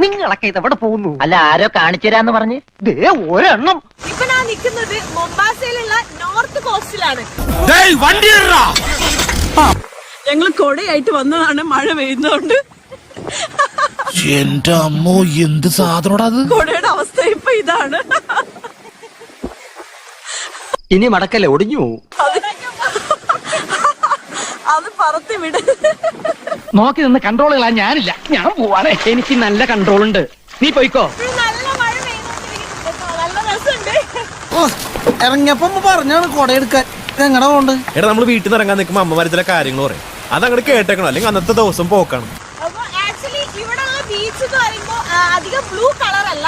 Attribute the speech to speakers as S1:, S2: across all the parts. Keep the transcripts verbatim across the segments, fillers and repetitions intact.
S1: നിങ്ങളൊക്കെ ഇതെവിടെ പോകുന്നു?
S2: അല്ല ആരോ കാണിച്ചു തരാന്ന് പറഞ്ഞ്
S1: ദേ ഒരെണ്ണം.
S3: ഇപ്പൊ ഞാൻ നിൽക്കുന്നത് മൊംബാസയിലുള്ള നോർത്ത് കോസ്റ്റിലാണ്. ഞങ്ങൾ കൊടയായിട്ട് വന്നതാണ്, മഴ പെയ്യുന്നോണ്ട്.
S4: എന്റെ അമ്മോ, എന്ത് സാധനോടാ അത്?
S3: കൊടയുടെ അവസ്ഥ ഇപ്പൊ ഇതാണ്.
S1: ഇനി മടക്കല്ലേ, ഒടിഞ്ഞു പോവും.
S3: അത് പറത്തി വിട്.
S1: നോക്കി നിന്ന് കൺട്രോൾ കളാൻ ഞാനില്ല, ഞാൻ പോവാണേ. എനിക്ക് നല്ല കൺട്രോൾ ഉണ്ട്, നീ പോയിക്കോ.
S3: നല്ല മഴ പെയ്യുന്നുണ്ട്, നല്ല രസമുണ്ട്.
S5: ഇറങ്ങിയപ്പോ പറഞ്ഞാണ് കൊടയെടുക്കാൻ. എങ്ങടെ പോണ്ട്?
S6: എടാ, നമ്മള് വീട്ടിൽ നിന്ന് ഇറങ്ങാൻ നിൽക്കുമ്പോ അമ്മമാര് ചില കാര്യങ്ങൾ പറയും, അതങ്ങോട്ട് കേട്ടേക്കണം, അല്ലെങ്കിൽ അന്നത്തെ ദിവസം പോക്കാണ്.
S3: അപ്പൊ ആക്ച്വലി ഇവിടെ ഉള്ള ബീച്ച് എന്ന് പറയുമ്പോ അധികം ബ്ലൂ കളർ അല്ല.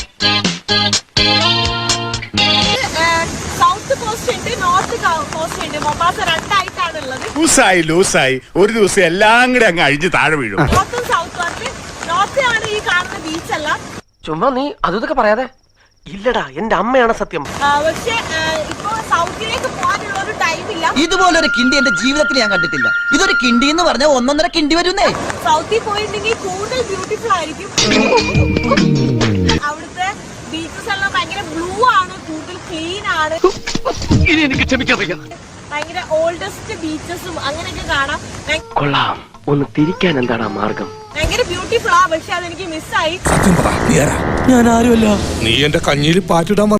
S3: സൗത്ത് കോസ്റ്റ് ഉണ്ട്, നോർത്ത് കോസ്റ്റ് ഉണ്ട്. മൊംബാസ രണ്ടായിട്ടാണ് ഉള്ളത്.
S4: ലൂസായി ലൂസായി ഒരു ദിവസം എല്ലാം കൂടെ അങ്ങ് അഴിഞ്ഞ് താഴെ വീഴും.
S3: നോർത്തും സൗത്തും ആണ്. നോർത്ത് ആണ് ഈ കാണുന്ന ബീച്ച് അല്ല.
S1: ചുമ്മാ നീ അതൊക്കെ പറയാതെ. ഇല്ലടാ, എന്റെ അമ്മയാണ് സത്യം.
S3: പക്ഷെ ഇപ്പൊ സൗത്തിലേക്ക് പോകാനുള്ള ഒരു ടൈമില്ല.
S5: ഇതുപോലൊരു കിണ്ടി എന്റെ ജീവിതത്തിൽ ഞാൻ കണ്ടിട്ടില്ല. ഇതൊരു കിണ്ടി എന്ന് പറഞ്ഞാൽ ഒന്നൊന്നര കിണ്ടി വരുന്നേ.
S3: സൗത്തിൽ പോയിട്ടുണ്ടെങ്കിൽ കൂടുതൽ ബ്യൂട്ടിഫുൾ ആയിരിക്കും. അവിടുത്തെ ബീച്ചസ് എല്ലാം ഭയങ്കര ബ്ലൂ ആണ്, കൂടുതൽ ക്ലീൻ ആണ്.
S1: ഇനി എനിക്ക് ക്ഷമിക്കറിയാം.
S3: ഭയങ്കര ഓൾഡസ്റ്റ് ബീച്ചസും അങ്ങനെയൊക്കെ കാണാം.
S1: കൊള്ളാം, ഒന്ന് തിരിക്കാൻ എന്താണ് മാർഗം?
S3: ഭയങ്കര ബ്യൂട്ടിഫുൾ ആ, പക്ഷെ അതെനിക്ക് മിസ്സായി.
S4: സത്യം പറ,
S5: ഞാൻ ആരുമല്ല.
S4: നീ എന്റെ കഞ്ഞിയിൽ പാറ്റിടാൻ